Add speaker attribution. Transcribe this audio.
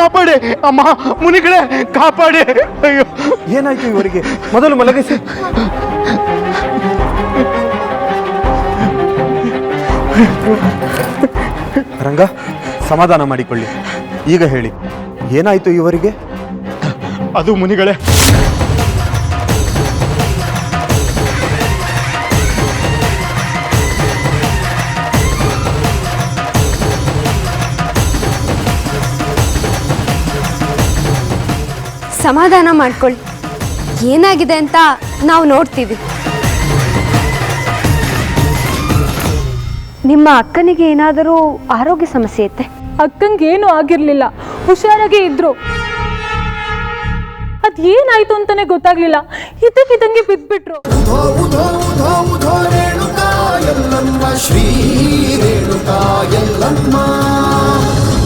Speaker 1: ಕಾಪಾಡಿ ಅಮ್ಮ, ಮುನಿಗಳೇ ಕಾಪಾಡಿ. ಅಯ್ಯೋ,
Speaker 2: ಏನಾಯ್ತು ಇವರಿಗೆ? ಮೊದಲು ಮಲಗಿಸಿ. ರಂಗ, ಸಮಾಧಾನ ಮಾಡಿಕೊಳ್ಳಿ. ಈಗ ಹೇಳಿ, ಏನಾಯ್ತು ಇವರಿಗೆ?
Speaker 1: ಅದು ಮುನಿಗಳೇ,
Speaker 3: ಸಮಾಧಾನ ಮಾಡ್ಕೊಳ್ಳಿ, ಏನಾಗಿದೆ ಅಂತ ನಾವು ನೋಡ್ತೀವಿ. ನಿಮ್ಮ ಅಕ್ಕನಿಗೆ ಏನಾದರೂ ಆರೋಗ್ಯ ಸಮಸ್ಯೆ ಐತೆ?
Speaker 4: ಅಕ್ಕಂಗೆ ಏನೂ ಆಗಿರ್ಲಿಲ್ಲ, ಹುಷಾರಾಗೇ ಇದ್ರು. ಅದೇನಾಯ್ತು ಅಂತಾನೆ ಗೊತ್ತಾಗ್ಲಿಲ್ಲ, ಇದ್ದಕ್ಕಿದ್ದಂಗೆ ಬಿದ್ಬಿಟ್ರು.
Speaker 5: ಶ್ರೀ ರೇಣುಕಾ ಯಲ್ಲಮ್ಮ.